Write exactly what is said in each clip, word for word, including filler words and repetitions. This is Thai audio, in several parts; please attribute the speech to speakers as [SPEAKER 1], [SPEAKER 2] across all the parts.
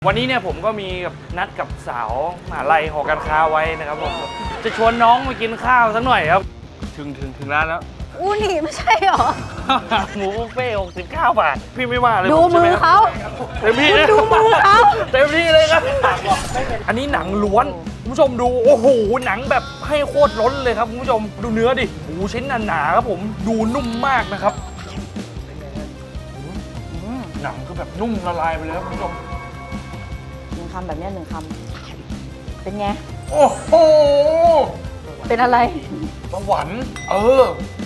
[SPEAKER 1] วันนี้เนี่ยผมก็มีกับนัดกับสาวมหาลัยหอการค้าไว้นะครับผมจะชวนน้องมากินข้าวสักหน่อยครับถึงถึงถึงร้านแล้ว
[SPEAKER 2] อูนี่ไม่ใช่หรอ
[SPEAKER 1] หมูบุฟเฟ่หกสิบเก้าบาทพี่ไม่ว่าเลย
[SPEAKER 2] ดูมือเขา
[SPEAKER 1] เต็มที่
[SPEAKER 2] ดูมือเขา
[SPEAKER 1] เต็มที่เลยครับอันนี้หนังล้วนคุณผู้ชมดูโอ้โหหนังแบบให้โคตรล้นเลยครับคุณผู้ชมดูเนื้อดิหมูชิ้นหนาๆครับผมดูนุ่มมากนะครับหนังคือแบบนุ่มละลายไปเลยครับคุณผู้ชม
[SPEAKER 2] หนึ่งคำแบบนี้หนึ่งคำเป็นไง
[SPEAKER 1] โอ้โห
[SPEAKER 2] เป็นอะไร
[SPEAKER 1] สวรรค์เออ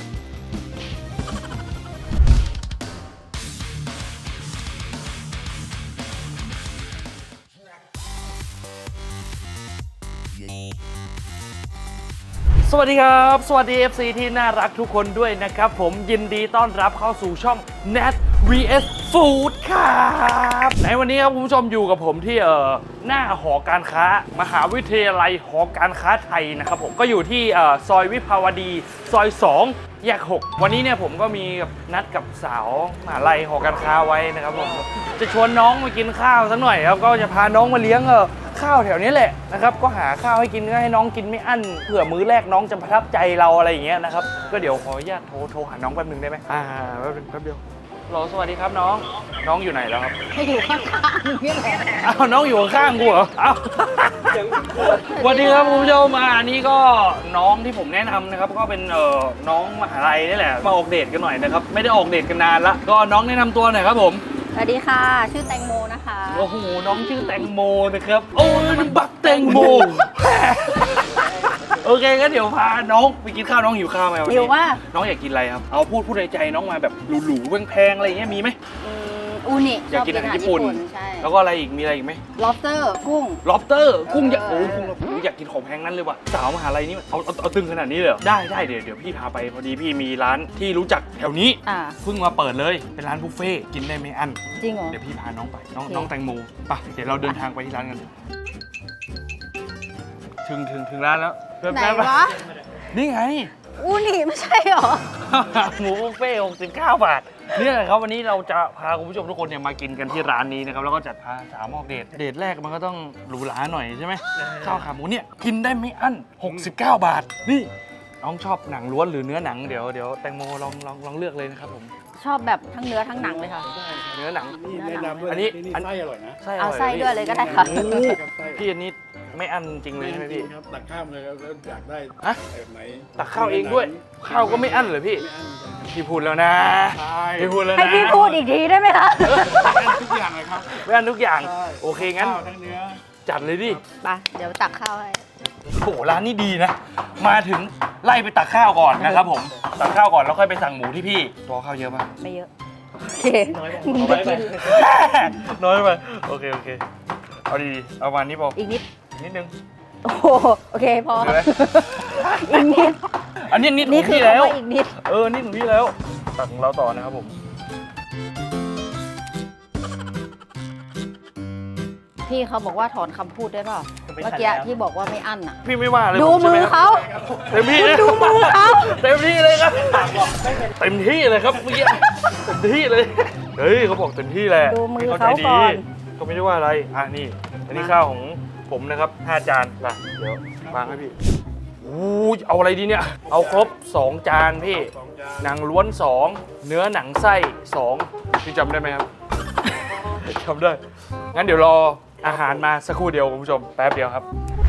[SPEAKER 1] สวัสดีครับสวัสดี เอฟ ซี ที่น่ารักทุกคนด้วยนะครับผมยินดีต้อนรับเข้าสู่ช่อง Nat วี เอส Food ครับในวันนี้ครับคุณผู้ชมอยู่กับผมที่เอ่อหน้าหอการค้ามหาวิทยาลัยหอการค้าไทยนะครับผมก็อยู่ที่เอ่อซอยวิภาวดีซอยสองแยกหกวันนี้เนี่ยผมก็มีกับนัดกับสาวมหาลัยหอการค้าไว้นะครับผมจะชวนน้องมากินข้าวสักหน่อยครับก็จะพาน้องมาเลี้ยงเออข้าวแถวนี้แหละนะครับก็หาข้าวให้กินก็ให้น้องกินไม่อั้นเผื่อมื้อแรกน้องจะประทับใจเราอะไรอย่างเงี้ยนะครับก็เดี๋ยวขออนุญาตโทรโทรหาน้องแป๊บนึงได้ไหมอ่าแป๊บนึงแป๊บเดียวรอสวัสดีครับน้องน้องอยู่ไหนแล้วครับ
[SPEAKER 2] ให้อยู่ข้างๆนี่แหละ
[SPEAKER 1] อ้าวน้องอยู่ข้างกูเหรออ้าวสวัสดีครับคุณผู้ชมมาอันนี้ก็น้องที่ผมแนะนำนะครับก็เป็นเอ่อน้องมหาลัยนี่แหละมาออกเดทกันหน่อยนะครับไม่ได้ออกเดทกันนานละก็น้องแนะนำตัวหน่อยครับผม
[SPEAKER 2] สวัสดีค่ะชื่อแตงโมนะคะ
[SPEAKER 1] โอ้โหน้องชื่อแตงโมนะครับโอ้ยบักแตงโมโอเคงั้นเดี๋ยวพาน้องไปกินข้าวน้องหิวข้าวไหมวันนี้
[SPEAKER 2] หิวมาก
[SPEAKER 1] น้องอยากกินอะไรครับเอาพูดพูดในใจน้องมาแบบหรูๆแพงๆอะไรอย่างเงี้ยมีไหม
[SPEAKER 2] อูนิ
[SPEAKER 1] อยากกินอาหารญี่ปุ่น
[SPEAKER 2] ใช่
[SPEAKER 1] แล้วก็อะไรอีกมีอะไรอีกไหม
[SPEAKER 2] lobster กุ้ง
[SPEAKER 1] lobster กุ้งอยากโอ้กุ้งเราอยากกินของแพงนั้นเลยว่ะสาวมหาลัยนี่เอาเอาเอาตึงขนาดนี้เลยได้ได้เดี๋ยวเดี๋ยวพี่พาไปพอดีพี่มีร้านที่รู้จักแถวนี้เพิ่งมาเปิดเลยเป็นร้านบุฟเฟ่กินได้ไม่อั้น
[SPEAKER 2] จริงเหรอ
[SPEAKER 1] เดี๋ยวพี่พาน้องไปน้องน้องแตงโมไปเดี๋ยวเราเดินทางไปที่ร้านกันถึงถึงถึงร้านแล้ว
[SPEAKER 2] ไหนวะ
[SPEAKER 1] นี่ไง
[SPEAKER 2] อูนี่ไม่ใช่หรอ
[SPEAKER 1] หมูบุฟเฟ่หกสิบเก้าบาทนี่แหละครับวันนี้เราจะพาคุณผู้ชมทุกคนเนี่ยมากินกันที่ร้านนี้นะครับแล้วก็จัดพาสาวออกเดทเดทแรกมันก็ต้องหรูหราหน่อยใช่ไหมข้าวขาหมูเนี่ยกินได้ไม่อั้นหกสิบเก้าบาทนี่น้องชอบหนังล้วนหรือเนื้อหนังเดี๋ยวเดี๋ยวแตงโมลองลองลองเลือกเลยนะครับผม
[SPEAKER 2] ชอบแบบทั้งเนื้อทั้งหนังเลยค่ะ
[SPEAKER 1] เนื้อหนัง
[SPEAKER 3] อันนี้อันนี้ไส้อร่อยนะ
[SPEAKER 2] เอาไส้ด้วยเลยก็ได้ค่ะ
[SPEAKER 1] พี่อันนี้ไม่อั้นจริงเลยใช่ไหมพี่
[SPEAKER 3] ครับตักข้าวเลยแล้วอยากได้แบบไหน
[SPEAKER 1] ตักข้าวเองด้วยข้าวก็ไม่อั้นเลยพี่พี่พูดแล้วนะพี่พูดแล้วนะ
[SPEAKER 2] ให้พี่พูดอีกทีได้ไหมคะ
[SPEAKER 3] ทุกอย่างเลยครับ
[SPEAKER 1] ไม่อั้นทุกอย่างโอเคงั้นจัดเลยดิ
[SPEAKER 2] ไปเดี๋ยวตักข้าวให้
[SPEAKER 1] โหร้านนี้ดีนะมาถึงไล่ไปตักข้าวก่อนนะครับผมตักข้าวก่อนแล้วค่อยไปสั่งหมูที่พี่ตัวข้าวเยอะป่ะ
[SPEAKER 2] ไม่เยอะโอเค
[SPEAKER 1] น้อยไปน้อยไปโอเคโอเคเอาดีๆเอาวันนี้พอ
[SPEAKER 2] อีกนิด
[SPEAKER 1] นิดนึง
[SPEAKER 2] โอ้โอเคพออีกนิด
[SPEAKER 1] อันนี้นิดของพี่แล้ว
[SPEAKER 2] อีกนิด
[SPEAKER 1] เออนิดของพี่แล้วตักของเราต่อนะครับผม
[SPEAKER 2] พี่เขาบอกว่าถอนคำพูดได้ป่ะเมื่อกี้ที่บอกว่าไม่อั้นอ่ะ
[SPEAKER 1] พี่ไม่ว่าเลย
[SPEAKER 2] ดูมือเขา
[SPEAKER 1] เต็มที่
[SPEAKER 2] ดูมือเขา
[SPEAKER 1] เต็มที่เลยครับเต็มที่เลยครับเมื่อกี้เต็มที่เลยเฮ้ยเขาบอกเต็มที่แหละ
[SPEAKER 2] ดูมือเขาก่อน
[SPEAKER 1] เขาไม่ได้ว่าอะไรอ่ะนี่อันนี้ข้าวของผมนะครับห้าจานไปเดี๋ยววางให้พี่อู้เอาอะไรดีเนี่ยเอาครบสองจานพี่หนังล้วนสองเนื้อหนังไส้สองพี่จำได้ไหมครับจำได้งั้นเดี๋ยวรออาหารมาสักครู่เดียวคุณผู้ชมแป๊บเดียวครับ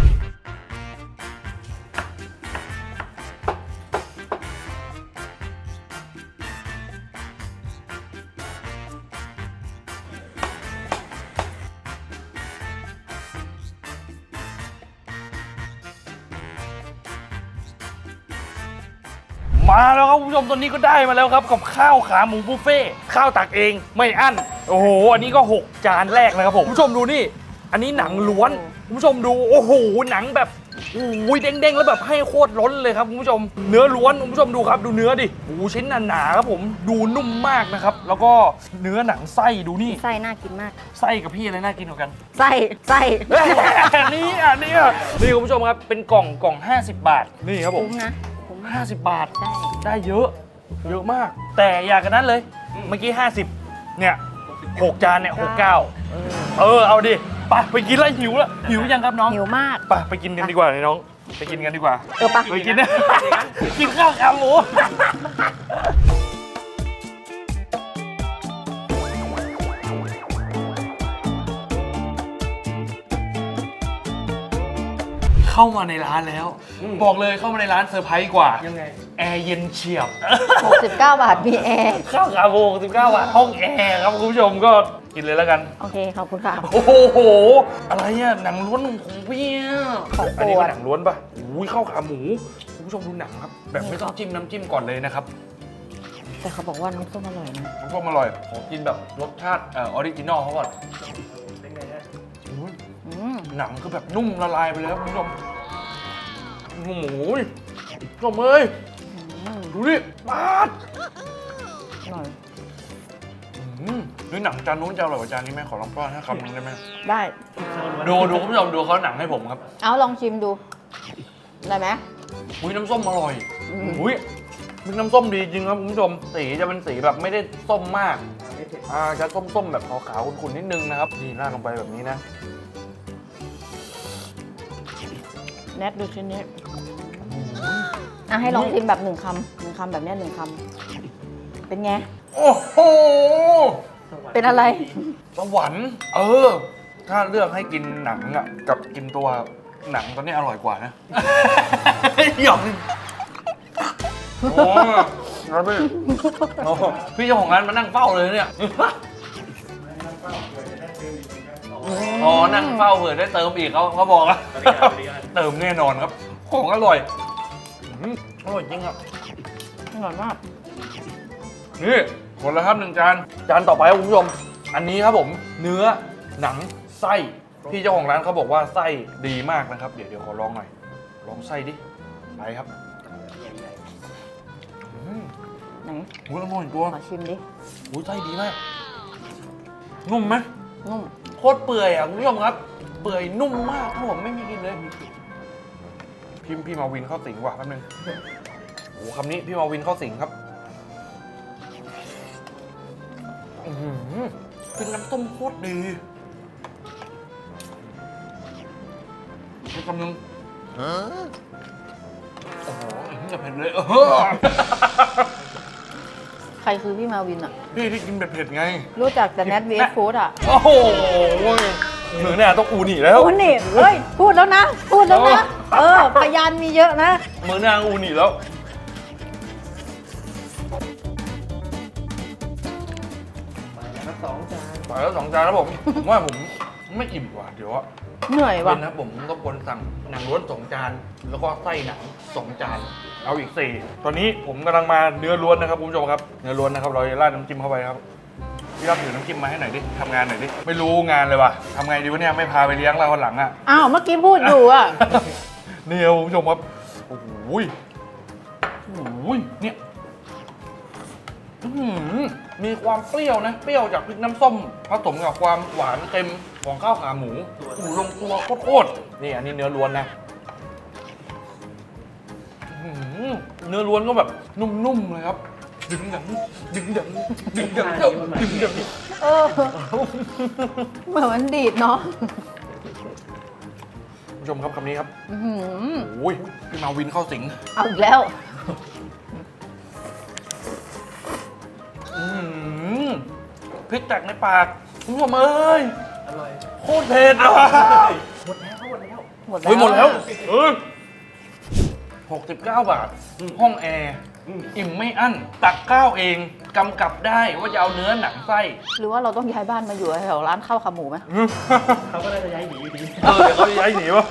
[SPEAKER 1] มาแล้วครับคุณผู้ชมตอนนี้ก็ได้มาแล้วครับกับข้าวขาหมูบุฟเฟ่ข้าวตักเองไม่อั้นโอ้โหอันนี้ก็หกจานแรกนะครับผมคุณผู้ชมดูนี่อันนี้หนังล้วนคุณผู้ชมดูโอ้โหหนังแบบโอ้ยเด้งๆแล้วแบบให้โคตรล้นเลยครับคุณผู้ชมเนื้อล้วนคุณผู้ชมดูครับดูเนื้อดิโอ้ชิ้นหนาๆครับผมดูนุ่มมากนะครับแล้วก็เนื้อหนังไส้ดูนี่
[SPEAKER 2] ไส้น่ากินมาก
[SPEAKER 1] ไส้กับพี่อะไรน่ากินกว่ากัน
[SPEAKER 2] ไส้ไส้
[SPEAKER 1] นี่อ่ะนี่อ่ะนี่คุณผู้ชมครับเป็นกล่องกล่องห้าสิบบาทนี่ครับผม
[SPEAKER 2] คุ้มนะ
[SPEAKER 1] ห้าสิบบาทได้ได้เยอะเยอะมากแต่อยากกันนั้นเลยเมื่อกี้ห้าสิบเนี่ยหกจานเนี่ยหกสิบเก้าเออเอาดิไปไปกินแล้วหิวแล้วหิวยังครับน้อง
[SPEAKER 2] หิวมาก
[SPEAKER 1] ไปไปกินกันดีกว่าเลยน้องไปกินกันดีกว่า
[SPEAKER 2] เออปะ
[SPEAKER 1] ไปกินนะกินข้าวขาหมูเข้ามาในร้านแล้ว บอกเลยเข้ามาในร้านเซอร์ไพรส์กว่ายังไงแอร์เย็นเฉียบ
[SPEAKER 2] หกสิบเก้าบาทมีแอร์
[SPEAKER 1] ข้าวขาหมูสิบเก้าบาทห้องแอร์ครับคุณผู้ชมก็กินเลยแล้วกัน
[SPEAKER 2] โอเค ขอบคุณค่ะ
[SPEAKER 1] โอ้โห อะไรอ่ะ หนังล้วนของพี่อ่ะ
[SPEAKER 2] ของโปรด
[SPEAKER 1] อันนี้ก็หนังล้วนป่ะอุ้ยข้าวขาหมู คุณผู้ชมดูหนังครับ แบบไม่ต้องจิ้มน้ำจิ้มก่อนเลยนะครับ
[SPEAKER 2] แต่เขาบอกว่าน้ำส้มอร่อยนะ
[SPEAKER 1] น้ำส้มอร่อย ขอกินแบบรสชาติเอ่อออริจินอลเขาก่อนเป็นไงฮะ
[SPEAKER 2] อืม
[SPEAKER 1] หนังคือแบบนุ่มละลายไปเลยครับคุณผู้ชมโอ้โหชมเอ้ย
[SPEAKER 2] อืม
[SPEAKER 1] ดูดิปาด
[SPEAKER 2] อร่อย
[SPEAKER 1] อืมดูหนังจานนู้นจะอร่อยกว่าจานนี้ไหมขอลองป้อนให้คำหนึงได้ไหม
[SPEAKER 2] ได้
[SPEAKER 1] ดูดูคุณผู้ชมดูเขาหนังให้ผมครับ
[SPEAKER 2] เอาลองชิมดู ได้ไหม
[SPEAKER 1] อุ้ยน้ำส้มอร่อย
[SPEAKER 2] อืม
[SPEAKER 1] อุ้ยมีน้ำส้มดีจริงครับคุณผู้ชม สีจะเป็นสีแบบไม่ได้ส้มมาก อ่าจะส้มๆแบบขาวๆขุ่นๆนิดนึงนะครับ นี่ราดลงไปแบบนี้นะ
[SPEAKER 2] แนทดูชิ้นนี้อ่ะให้ลองชิมแบบหนึ่งคำหนึ่งคำแบบเนี้ยหนึ่งคำเป็นไง
[SPEAKER 1] โอ้โห
[SPEAKER 2] เป็นอะไร
[SPEAKER 1] สวรรค์เออ ถ้าเลือกให้กินหนังอ่ะกับกินตัวหนังตอนนี้อร่อยกว่านะ หยอกโอ้ครับพี่โอ้พี่เจ้าของร้านมานั่งเฝ้าเลยเนี่ย อ๋อ นั่งเฝ้าเผื่อได้เติมอีกเขาเขาบอกแล้วเติมแน่นอนครับ ของอร่อยอืมอร่อยจริงอ่ะ
[SPEAKER 2] อร่อยมาก
[SPEAKER 1] นี่หมดแล้วครับหนึ่งจาน จานต่อไปครับคุณผู้ชม อันนี้ครับผม เนื้อหนังไส้พี่เจ้าของร้านเขาบอกว่าไส้ดีมากนะครับ เดี๋ยวเดี๋ยวขอลองหน่อย ลองไส้ดิ ไปครับอืม
[SPEAKER 2] ไหน
[SPEAKER 1] อุ้ยอร่อยตัว
[SPEAKER 2] ขอชิมดิ
[SPEAKER 1] อุ้ยไส้ดีมาก นุ่มไหม
[SPEAKER 2] นุ่ม
[SPEAKER 1] โคตรเปื่อยอ่ะคุณผู้ชมครับ เปื่อยนุ่มมากถ้าผมไม่มีกินเลยพิมพ์พี่มาวินเข้าสิงว่ะแป๊บนึงโอ้โหคำนี้พี่มาวินเข้าสิงครับอื้อหือเป็นน้ำต้มโคตรดีอีกคำนึงโอ้โหจะเผ็ดเลยเออ
[SPEAKER 2] ใครคือพี่มาวินอ่ะ
[SPEAKER 1] พี่ที่กินเผ็ดๆไง
[SPEAKER 2] รู้จักแต่แนทเวสฟู้ดอ่ะ
[SPEAKER 1] โอ้โหหนูเนี่ยต้องอูนี่แล้ว
[SPEAKER 2] โอ้นี่เฮ้ย พูดแล้วนะ พูดแล้วนะ เออ พยานมีเยอะนะ
[SPEAKER 1] มือนางอูนี่แล้วไปแล้วสองจานไปแล้วสองจานแล้วผมผมว่าผมไม่อิ่มกว่าเดี๋ยวอะ
[SPEAKER 2] เหนื่อยว่ะ
[SPEAKER 1] เป็นนะผมก็ควรสั่งหนังล้วนสองจานแล้วก็ไส้หนังสองจานเอาอีกสี่ตอนนี้ผมกำลังมาเนื้อล้วนนะครับคุณผู้ชมครับเนื้อล้วนนะครับเราจะราดน้ำจิ้มเข้าไปครับพี่รับถือน้ำจิ้มมาให้หน่อยดิทำงานหน่อยดิไม่รู้งานเลยว่ะทำไงดีวะเนี่ยไม่พาไปเลี้ยงเราวันหลังอะ
[SPEAKER 2] อ้าว เมื่อกี้พูดอยู่อ่ะ
[SPEAKER 1] นี่ครับคุณผู้ชมครับโอ้โหยโอ้โหยเนี่ยอื้อหือมีความเปรี้ยวนะ เปรี้ยวจากพริกน้ำส้มผสมกับความหวานเค็มของข้าวขาหมูโอ้โหลงตัวโคตรๆนี่อันนี้เนื้อล้วนนะอื้อหือเนื้อล้วนก็แบบนุ่มๆเลยครับ ดึงดังดึงดังดึงดังดึงดัง
[SPEAKER 2] เออ เหมือนมันดีดเนาะ
[SPEAKER 1] คุณผู้ชมครับคำนี้ครับ
[SPEAKER 2] อื้อหือ
[SPEAKER 1] โอ้ยพี่มาวินเข้าสิง
[SPEAKER 2] เอาอีกแล้ว
[SPEAKER 1] อืมพริกแตกในปากคุณผู้ชมเอ้ยอร่อยโคตรเผ็ดอ่ะ
[SPEAKER 2] หมดแล้ว
[SPEAKER 1] เฮ้ยหมดแล้วเออหกสิบเก้าบาท ห้องแอร์อิ่มไม่อั้น ตักข้าวเองกำกับได้ว่าจะเอาเนื้อหนังไส้
[SPEAKER 2] หรือว่าเราต้องย้ายบ้านมาอยู่แถวร้านข้าวขาหมูไหม
[SPEAKER 4] เขาก็น่าจะย้ายหนีอยู่ดี
[SPEAKER 1] เออเดี๋ยวเขาจะย้ายหนีวะ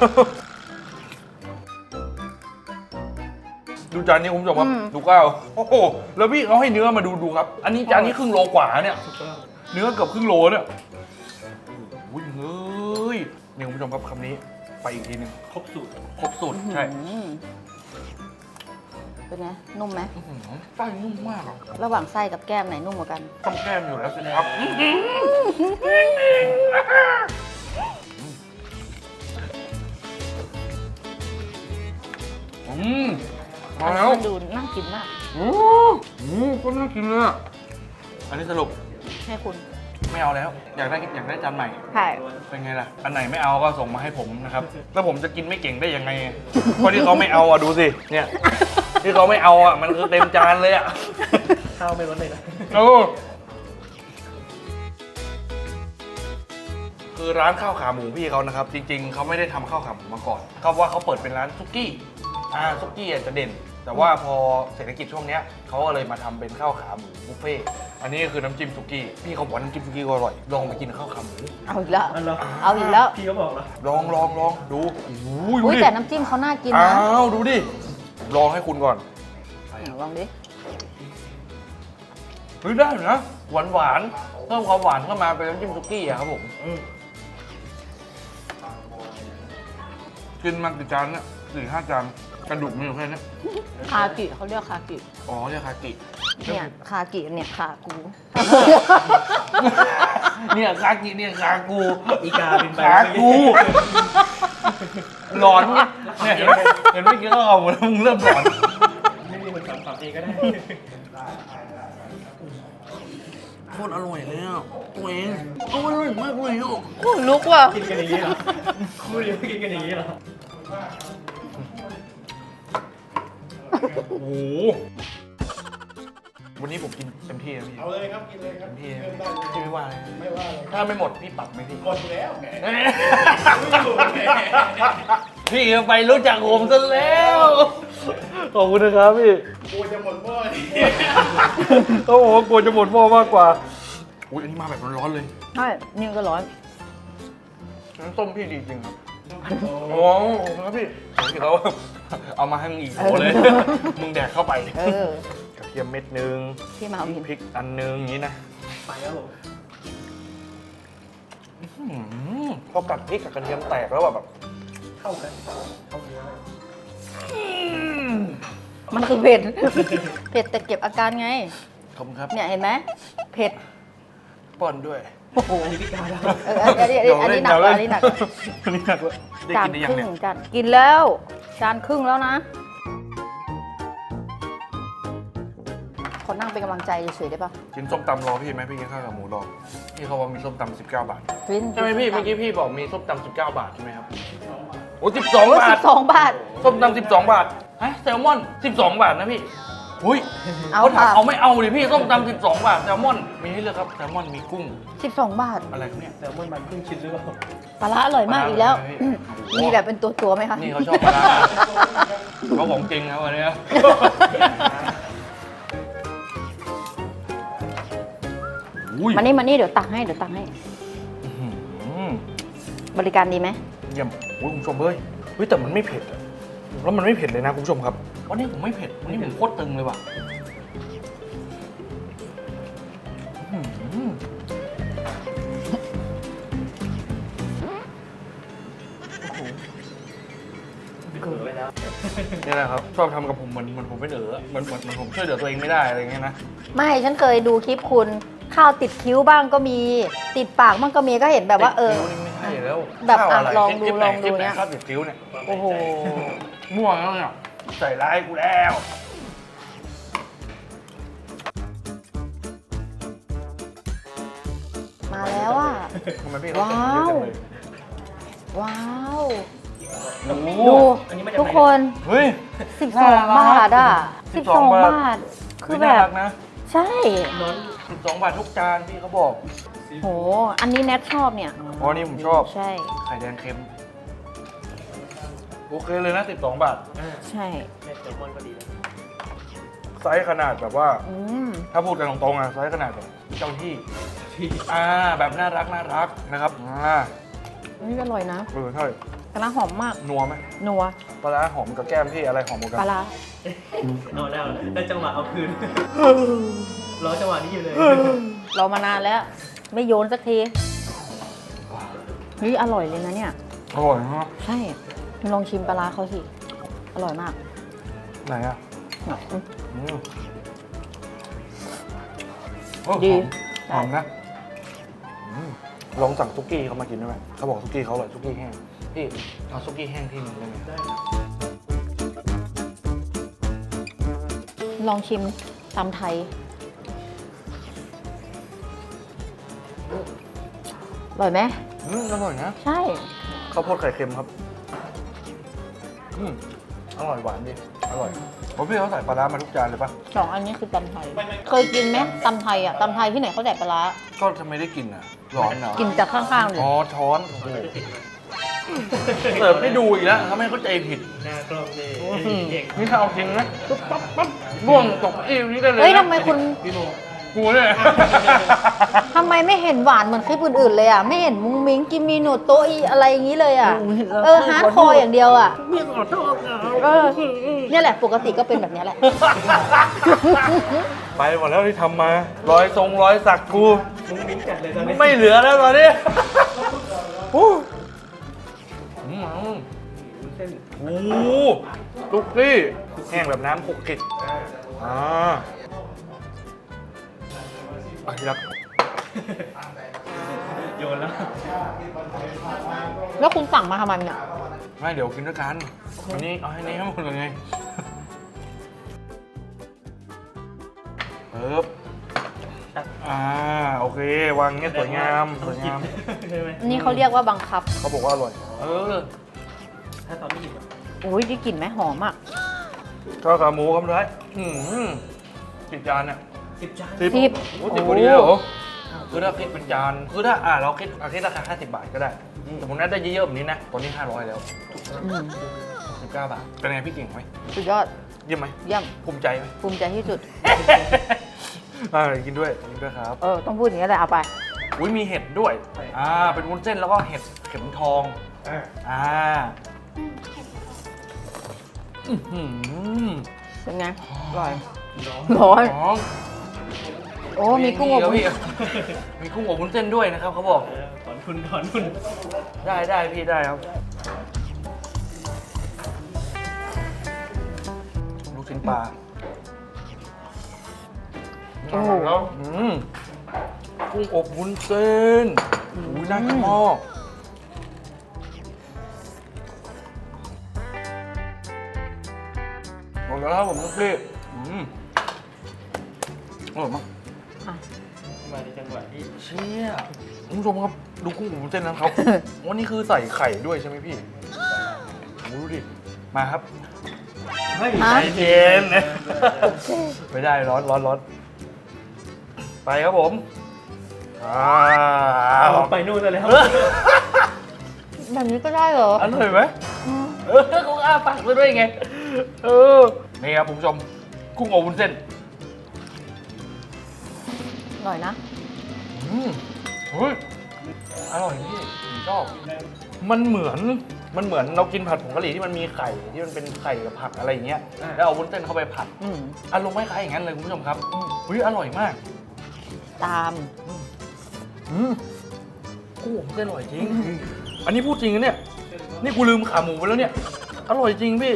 [SPEAKER 1] ดูจานนี้คุณผู้ชมครับดูข้าวโอ้โหแล้วพี่เขาให้เนื้อมาดูดูครับ อันนี้จานนี้ครึ่งโลกว่าเนี่ย เนื้อเกือบครึ่งโลเนี่ยโอ้ยเฮ้ยนี่คุณผู้ชมครับคำนี้ไปอีกทีหนึง
[SPEAKER 4] ครบสูตร
[SPEAKER 1] ครบสูตรใช่
[SPEAKER 2] อืมเป็นไง นุ่มไหม
[SPEAKER 1] อื้อหือไส้นุ่มมากอะ
[SPEAKER 2] ระหว่างไส้กับแก้มไหนนุ่มกว่ากัน
[SPEAKER 1] ต้องแก้มอยู่แล้วสิครับอืมมาแล้ว
[SPEAKER 2] มันดูน่ากินมาก
[SPEAKER 1] โอ้โหก็น่ากินเลยอะอันนี้สรุป
[SPEAKER 2] ให้คุณ
[SPEAKER 1] ไม่เอาแล้ว อยากได้อยากได้จานใหม่
[SPEAKER 2] ใช่
[SPEAKER 1] เป็นไงล่ะ อันไหนไม่เอาก็ส่งมาให้ผมนะครับ แล้วผมจะกินไม่เก่งได้ยังไงเพราะที่เขาไม่เอาอ่ะดูสิ เนี่ย ที่เขาไม่เอาอ่ะมันคือเต็มจานเลยอ่ะ
[SPEAKER 4] ข้าวไม่ลดเลยนะ
[SPEAKER 1] โอ้คือร้านข้าวขาหมูพี่เขานะครับ จริง ๆเขาไม่ได้ทำข้าวขาหมูมาก่อนเขาว่าเขาเปิดเป็นร้านซุกี้อ่าซุกี้อาจจะเด่น แต่ว่าพอเศรษฐกิจช่วงเนี้ยเขาก็เลยมาทำเป็นข้าวขาหมูบุฟเฟ่ต์อันนี้คือน้ำจิ้มซุกี้พี่เขาบอกว่าน้ำจิ้มซุกี้ก็อร่อยลองไปกินข้าวขาหมู
[SPEAKER 2] เอาอีกแล้ว
[SPEAKER 4] อันเหรอ
[SPEAKER 2] เอาอีกแล้ว
[SPEAKER 4] พี่ก็บอกแล้ว
[SPEAKER 1] ลองลองลองดูอุ้ยดู
[SPEAKER 2] อุ้ย
[SPEAKER 1] ดิ
[SPEAKER 2] แต่น้ำจิ้มเขาน่ากิน
[SPEAKER 1] อ้า
[SPEAKER 2] นะ
[SPEAKER 1] วดูดิลองให้คุณก่อน
[SPEAKER 2] ลองดิ
[SPEAKER 1] เฮ้ยได้อยู่นะหวานหวานๆเพิ่มความหวานเข้ามาเป็นน้ำจิ้มซุกี้อะครับผมอืมกินมากี่จานเนี่ยสี่ห้าจานกระดูกมันอยู่แค่นี้
[SPEAKER 2] คากิเขาเรียกคากิ
[SPEAKER 1] อ๋อเรียกคากิ
[SPEAKER 2] เนี่ยคากิเนี่ยขากู
[SPEAKER 1] เนี่ยคากิเนี่ยคากู
[SPEAKER 4] อีกาบินไป
[SPEAKER 1] ขากูหลอนเนี่ยเห็นไหมเห็นเมื่อกี้ก็เอาหมดแล้วมึงเริ่มหลอน
[SPEAKER 4] ไม่มีคนทำขับเองก็ได้
[SPEAKER 1] โคตรอร่อยเลยอ่ะตัวเองอร่อยมากเลยอ่ะ
[SPEAKER 2] ลุกว่ะ
[SPEAKER 4] กินกันอย่างนี้เหรอคู่นี้กินกันอย่างนี้เหรอ
[SPEAKER 1] โอ้โหวันนี้ผมกินเต็มที่นะพี่
[SPEAKER 3] เอาเลยครับ กินเลยครับ
[SPEAKER 1] เต็มที่
[SPEAKER 3] เริ่
[SPEAKER 1] นะ
[SPEAKER 3] มได้เลย
[SPEAKER 1] พี่ไม่ว่าเลย
[SPEAKER 3] ไม่ว่าเลย
[SPEAKER 1] ถ้าไม่หมดพี่ปรับไหมพี่
[SPEAKER 3] หมดแล้วแหม
[SPEAKER 1] พี่ไปรู้จักผมซะแล้ว ขอบคุณนะครับพี่
[SPEAKER 3] กูจะหมดหม้อนี่
[SPEAKER 1] เขาบอกว่ากลัวจะหมดหม้อมากกว่าอุ้ยอันนี้มาแบบร้อนๆเลย
[SPEAKER 2] ใช่นี่ก็ร้อน
[SPEAKER 1] น้ำส้มพี่ดีจริงครับโอ้โหครับพี่พี่เขาเอามาให้มึงอีกโหเลย มึงแดกเข้าไป
[SPEAKER 2] เออ
[SPEAKER 1] กระเทียมเม็ดนึง
[SPEAKER 2] พี่มาวิน
[SPEAKER 1] พริกอันนึงอย่างนี้นะ
[SPEAKER 4] ไปครับผม
[SPEAKER 1] อื้อหือพอกัดพริกกับกระเทียมแตกแล้วแบบ
[SPEAKER 4] เข้ากันเข้าเนื้อ
[SPEAKER 2] มันคือเผ็ด เผ็ดแต่เก็บอาการไง
[SPEAKER 1] ขอบคุณครับ
[SPEAKER 2] เนี่ยเห็นไหมเผ็ด
[SPEAKER 1] ป้อนด้วย
[SPEAKER 2] โอ้โห
[SPEAKER 4] อันนี้พี่กาแล้ว
[SPEAKER 2] เอออันนี้อันนี้อันนี้หนักกว่าอันนี้หนักกว่า
[SPEAKER 1] อันนี้หนักกว่าได้
[SPEAKER 2] จาน
[SPEAKER 1] กินได้
[SPEAKER 2] ค
[SPEAKER 1] ยัง
[SPEAKER 2] รึ่
[SPEAKER 1] เนี่ย
[SPEAKER 2] งจานกินแล้วจานครึ่งแล้วนะ ขอนั่งเป็นกำลังใจเฉยๆได้ปะ
[SPEAKER 1] กินส้มตำรอพี่ไหมพี่กินข้าวกับหมูรอพี่เขาว่ามีส้มตำสิบเก้าบาท
[SPEAKER 2] วิน
[SPEAKER 1] ใช่ไหมพี่เมื่อกี้พี่บอกมีส้มตำสิบเก้าบาทใช่ไหมครับโอ้สิบสอง
[SPEAKER 2] โอ้ย
[SPEAKER 1] บา
[SPEAKER 2] สิ
[SPEAKER 1] ท
[SPEAKER 2] บสองบาท
[SPEAKER 1] ส้มตำสิบสองบาทฮะแซลมอนสิบสองบาทนะพี่อุ้ย
[SPEAKER 2] เอา
[SPEAKER 1] เขาถาม
[SPEAKER 2] ค่ะ
[SPEAKER 1] เอาไม่เอาดิพี่ส้มตำสิบสองบาทแซลมอนมีให้เลือกครับแซลมอนมีกุ้ง
[SPEAKER 2] สิบสองบาท
[SPEAKER 1] อะไรครับเนี่ย
[SPEAKER 4] แซลมอนมันครึ่งชิ้นหรือเปล่า
[SPEAKER 2] ปลาร้าอร่อยมากอีกแล้ว
[SPEAKER 1] ปลาร้าอร่อยไหมพี่
[SPEAKER 2] มีแบบเป็นตัวตัวๆไหมคะ
[SPEAKER 1] นี่เขาชอบปลาร้าเขาของจริงนะวันนี้อุ้ย
[SPEAKER 2] มานี่มานี่เดี๋ยวตักให้เดี๋ยวตักให้
[SPEAKER 1] อื้อหือ
[SPEAKER 2] บริการดีไหม
[SPEAKER 1] เยี่ยมโอ้ยคุณผู้ชมเฮ้ยเฮ้ยแต่มันไม่เผ็ดอะแล้วมันไม่เผ็ดเลยนะคุณผู้ชมครับ วันนี้ผมไม่เผ็ด วันนี้ผมโคตรตึงเลยว่ะอื้อหือ
[SPEAKER 4] เขือไปแล้ว
[SPEAKER 1] นี่แหละครับ ชอบทำกับผมเหมือนเหมือนผมเป็นเอ๋อเหมือนเหมือนเหมือนผมช่วยเหลือตัวเองไม่ได้อะไรอย่างเงี้ยนะ
[SPEAKER 2] ไม่ฉันเคยดูคลิปคุณข้าวติดคิ้วบ้างก็มี ติดปากบ้างก็มีก็เห็นแบบว่าเออ
[SPEAKER 1] ติดคิ้นี่ไม่ใช่แล้ว
[SPEAKER 2] แบบ
[SPEAKER 1] ข้าว
[SPEAKER 2] อ่ะ
[SPEAKER 1] อะไร
[SPEAKER 2] ลองดู
[SPEAKER 1] คลิปไห
[SPEAKER 2] ลองดู
[SPEAKER 1] คลิปไห
[SPEAKER 2] เนี่ย
[SPEAKER 1] ข้าวติดคิ้วเนี่ย
[SPEAKER 2] โอ้โห
[SPEAKER 1] ม่วงแล้วเนี่ยใส่ร้ายกูแล้ว
[SPEAKER 2] มาแล้วอ่ะ
[SPEAKER 1] ทำไมพี่เขา
[SPEAKER 2] ว้าว
[SPEAKER 1] เยอะจังเลย
[SPEAKER 2] ว้าว
[SPEAKER 1] โอ้โห
[SPEAKER 2] ดู
[SPEAKER 4] อันนี้มาจาก
[SPEAKER 2] ทุก
[SPEAKER 4] ไหน
[SPEAKER 2] คน
[SPEAKER 1] เฮ้ย
[SPEAKER 2] สิบสองบาทอ่ะสิบสอง
[SPEAKER 1] บาท
[SPEAKER 2] บาท คือแบ
[SPEAKER 1] น่า
[SPEAKER 2] บ
[SPEAKER 1] รักนะ
[SPEAKER 2] ใช่
[SPEAKER 4] นอน
[SPEAKER 1] สิบสองบาททุกจานพี่เขาบอก
[SPEAKER 2] โห อันนี้แนทชอบเนี่ย
[SPEAKER 1] อ๋อนี่ผมชอบ
[SPEAKER 2] ใช่
[SPEAKER 1] ไข่แดงเค็ม โอเคเลยนะสิบสองบาท
[SPEAKER 4] อ่า
[SPEAKER 2] ใช่
[SPEAKER 4] แม่แซลมอนก็ดีนะ
[SPEAKER 1] ไซส์ขนาดแบบว่า
[SPEAKER 2] อืม
[SPEAKER 1] ถ้าพูดกันตรงๆอะไซส์ขนาดแบบเจ้าที่
[SPEAKER 4] ที่
[SPEAKER 1] อ่า แบบน่ารักน่ารักนะครับ อ่า
[SPEAKER 2] นี่อร่อยนะ
[SPEAKER 1] เออใช่
[SPEAKER 2] ปลาร้าหอมมาก
[SPEAKER 1] นัวไหม
[SPEAKER 2] นัว
[SPEAKER 1] ปลาร้าหอมกับแก้มพี่อะไรหอมกว่ากั
[SPEAKER 2] ปลาน ร้า
[SPEAKER 4] เอาแล้วได้จังหวะเอาคืน รอจังหวะนี้อยู่เลย
[SPEAKER 2] เรามานานแล้ว ไม่โยนสักทีเฮ้ยอร่อยเลยนะเนี่ย
[SPEAKER 1] อร่อยฮะ
[SPEAKER 2] ใช่ลองชิมปลาร้าเขาสิ อร่อยมาก
[SPEAKER 1] ไหนอ่ะ
[SPEAKER 2] อืม
[SPEAKER 1] อืมโอ้
[SPEAKER 2] ดี
[SPEAKER 1] หอมหอมนะอืมลองสั่งซุกี้เขามากินได้ไหมเขาบอกซุกี้เขาอร่อยซุกี้แห้ง พี่เอาซุกี้แห้งที่หนึงได้ไหม
[SPEAKER 4] ได้
[SPEAKER 2] ลองชิมตำไทย อร่อยไหม
[SPEAKER 1] อืมอร่อยนะ
[SPEAKER 2] ใช่
[SPEAKER 1] ข้าวโพดไข่เค็มครับอืมอร่อยหวานดีอร่อยเพราะพี่เขาใส่ปลาร้ามาทุกจานเลยปะ
[SPEAKER 2] สองอันนี้คือตำไทย เคยกินไหมตำไทยอ่ะตำไทยที่ไหนเขาใส่ปลาร้า
[SPEAKER 1] ก็ทำไมได้กินอ่ะร้อนเหรอ
[SPEAKER 2] กินจากข้างๆเลย
[SPEAKER 1] อ๋อช้อนโอ้โหเสิร์ฟให้ดูอีกแล้วทำให้เข้าใจผิด
[SPEAKER 4] หน้ากล้องนี่
[SPEAKER 1] อืม
[SPEAKER 4] เก่ง
[SPEAKER 1] นี่ถ้าเอาจริงนะปุ๊บปั๊บปั๊บร่วงตกเอวนี่ได้เลยนะ
[SPEAKER 2] เฮ้ยทำไมคุณ
[SPEAKER 4] พี่โม
[SPEAKER 1] กูเนี่ย
[SPEAKER 2] ทำไมไม่เห็นหวานเหมือนคลิปอื่นๆเลยอ่ะ ไม่เห็นมุ้งมิ้งกินมีหนูโตะอีอะไรอย่างนี้เลยอ่ะ เออฮาร์ดคอร์อย่างเดียวอ่ะ
[SPEAKER 4] พี่ขอโทษนะ
[SPEAKER 2] เออ เนี่ยแหละปกติก็เป็นแบบเนี้ยแหละ
[SPEAKER 1] ไปหมดแล้วที่ทำมา รอยทรงรอยสักกู
[SPEAKER 4] มุ้งมิ้งจัดเลยตอนนี้
[SPEAKER 1] ไม่เหลือแล้วตอนนี้โอ้อืม
[SPEAKER 4] เส้น
[SPEAKER 1] โอ้โหตุ๊กกี้แห้งแบบน้ำคลุกคลิกอ่าอ่ะที่รัก
[SPEAKER 4] โยนแล้ว
[SPEAKER 2] แล้วคุณสั่งมาทำไมเนี่ย
[SPEAKER 1] ไม่เดี๋ยวกินด้วยกันวันนี้เอาให้นี้ให้หมดเลยไงเอิบอ่าโอเควางเงี้ยสวยงามสวยงาม
[SPEAKER 4] ใช่ไหม
[SPEAKER 2] อันนี้เขาเรียกว่าบังคับ
[SPEAKER 1] เขาบอกว่าอร่อย เออ
[SPEAKER 4] ถ้าตอนไม่กินอะ
[SPEAKER 2] โอ้ยได้กลิ่นไหมหอมอ่ะ
[SPEAKER 1] ข้าวขาหมูครับร้ายอืมกี่จานเนี่ย
[SPEAKER 4] สิบจาน
[SPEAKER 1] สิบ
[SPEAKER 2] สิบ
[SPEAKER 1] โอ้สิบกว่านี้เลยเหรอคือถ้าคิดเป็นจานคือถ้าอ่าเราคิดเอาคิดราคาห้าสิบบาทก็ได้แต่ผมน่าได้เยอะๆแบบนี้นะตอนนี้ห้าร้อยแล้ว
[SPEAKER 2] อืม
[SPEAKER 1] สิบเก้าบาทเป็นไงพี่เก่งไหม
[SPEAKER 2] สุดยอด
[SPEAKER 1] เยี่ยมไหม
[SPEAKER 2] เยี่ยม
[SPEAKER 1] ภูมิใจไหม
[SPEAKER 2] ภูมิใจที่สุด
[SPEAKER 1] อ่ากินด้วยกินด้วยครับ
[SPEAKER 2] เออ ต้องพูดอย่างนี้แหละเอาไป
[SPEAKER 1] อุ้ยมีเห็ดด้วยอ่าเป็นวุ้นเส้นแล้วก็เห็ดเข็มทอง
[SPEAKER 4] อ่ะ
[SPEAKER 1] อ่าอื้อหือ
[SPEAKER 2] เป็นไง อร่อย
[SPEAKER 4] น้อง
[SPEAKER 2] ร้อน
[SPEAKER 1] อ๋อ
[SPEAKER 2] โอ้ มีกุ้งอบวุ้น
[SPEAKER 1] พี่มีกุ้งอบวุ้นเส้นด้วยนะครับเขาบอก
[SPEAKER 4] เออถอนทุนถอนทุน
[SPEAKER 1] ได้ได้พี่ได้ครับ ลูกชิ้นปลา
[SPEAKER 2] โอ้โห
[SPEAKER 1] แล้วอืมกุ้งอบวุ้นเส้นอุ้ยน่ากินมากหมดแล้วครับผมลูกพี่อืมอร่อยมาก
[SPEAKER 2] อ่ะ
[SPEAKER 4] มาในจังหวะที่
[SPEAKER 1] เชี่ยคุณผู้ชมครับ ดูกุ้งอบวุ้นเส้นนะครับ วันนี้คือใส่ไข่ด้วยใช่ไหมพี่โอ้ดูดิ มาครับ
[SPEAKER 4] ไม่
[SPEAKER 2] ฮะ
[SPEAKER 1] ใจเย็น ไม่ได้ร้อนร้อนร้อนไปครับผมอ้าว
[SPEAKER 4] เอาไปนู่นซะแล้ว
[SPEAKER 2] แบบนี้ก็ได้เหรอ
[SPEAKER 1] อร่อยไหม
[SPEAKER 2] อืม
[SPEAKER 1] เออกูอ้าปากไปด้วยไง เออ นี่ครับคุณผู้ชม กุ้งอบวุ้นเส้น
[SPEAKER 2] อร่อยนะ
[SPEAKER 1] อืมเฮ้ย อร่อยพี่ผมชอบ มันเหมือน มันเหมือนเรากินผัดผงกะหรี่ที่มันมีไข่ที่มันเป็นไข่กับผักอะไรอย่างเงี้ย แล้วเอาวุ้นเส้นเข้าไปผัด
[SPEAKER 2] อืม
[SPEAKER 1] อารมณ์คล้ายๆอย่างนั้นเลยคุณผู้ชมครับเฮ้ยอร่อยมาก
[SPEAKER 2] ตาม
[SPEAKER 1] อืมกุ้งอบวุ้นเส้นอร่อยจริง อันนี้พูดจริงนะเนี่ย นี่กูลืมขาหมูไปแล้วเนี่ย อร่อยจริงพี่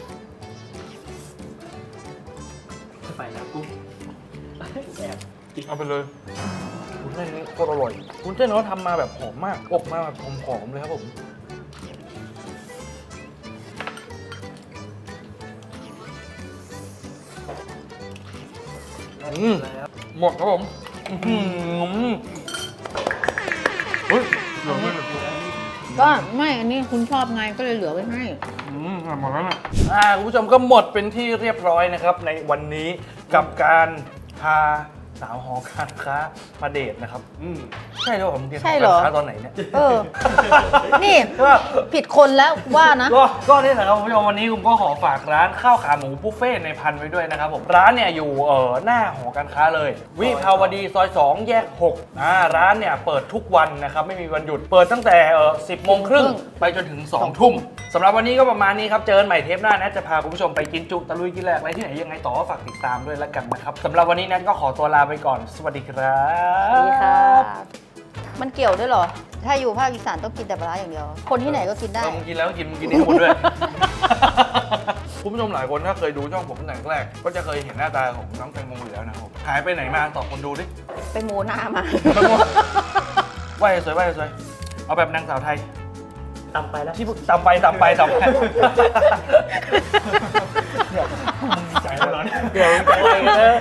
[SPEAKER 4] ไปแล้วกูแอบกิน
[SPEAKER 1] เอาไปเลยวุ้นเส้นนี้โคตรอร่อยวุ้นเส้นเขาทำมาแบบหอมมาก อบมาแบบหอมๆเลยครับผม อืม
[SPEAKER 4] แล้ว
[SPEAKER 1] หมดครับผมอื้อหือเฮ้ยเหลือไม่หมด
[SPEAKER 2] ก็ไม่ อันนี้คุณชอบไงก็เลยเหลือไว้ให้
[SPEAKER 1] อืมหมดแล้วนะอ่าคุณผู้ชมก็หมดเป็นที่เรียบร้อยนะครับ ในวันนี้กับการพาสาวหอการค้ามาเดทนะครับ
[SPEAKER 4] อืม
[SPEAKER 1] ใช่หรือเปล่าผมเรียน
[SPEAKER 2] ใช่เหรอ
[SPEAKER 1] การค้าตอนไหนเนี่ย
[SPEAKER 2] เออ นี่
[SPEAKER 1] ก็
[SPEAKER 2] ผิดคนแล้วว่านะ
[SPEAKER 1] ก็ก็นี่แหละครับคุณผู้ชมวันนี้ผมก็ขอฝากร้านข้าวขาหมูบุฟเฟ่ต์ในพันไว้ด้วยนะครับผมร้านเนี่ยอยู่เอ่อหน้าหอการค้าเลย วิภาวดีซอยสองแยกหกอ่าร้านเนี่ยเปิดทุกวันนะครับไม่มีวันหยุดเปิดตั้งแต่เอ่อสิบโมงครึ่งไปจนถึงสองทุ่มสำหรับวันนี้ก็ประมาณนี้ครับเจอกันใหม่เทปหน้านะจะพาคุณผู้ชมไปกินจุตะลุยกินแหลกอะไรที่ไหนยังไงต่อก็ฝากติดตามด้วยแล้วกันนะครับสำหรับวันนี้นั้นก็ขอตัวลาไปก่อนสวัสดีครับ
[SPEAKER 2] สวัสดีค่ะ มันเกี่ยวด้วยเหรอ ถ้าอยู่ภาคอีสานต้องกินแต่ปลาร้าอย่างเดียว คนที่ไหนก็กินได้
[SPEAKER 1] เออมึงกินแล้วก็กินมึงกินให้หมดด้วย คุณผู้ชมหลายคนถ้าเคยดูช่องผมตั้งแต่แรกก็จะเคยเห็นหน้าตาของน้องแตงโมอยู่แล้วนะครับหายไปไหนมาตอบคนดูดิ
[SPEAKER 2] ไปโมหน้ามา
[SPEAKER 1] แตงโมไหวสวยไหวสวยเอาแบบนางสาวไทย
[SPEAKER 4] ตำไปแล้ว
[SPEAKER 1] ที่ตำไปตำไปตำไป
[SPEAKER 4] ใจร้อน
[SPEAKER 1] เดี๋ยวใจเลย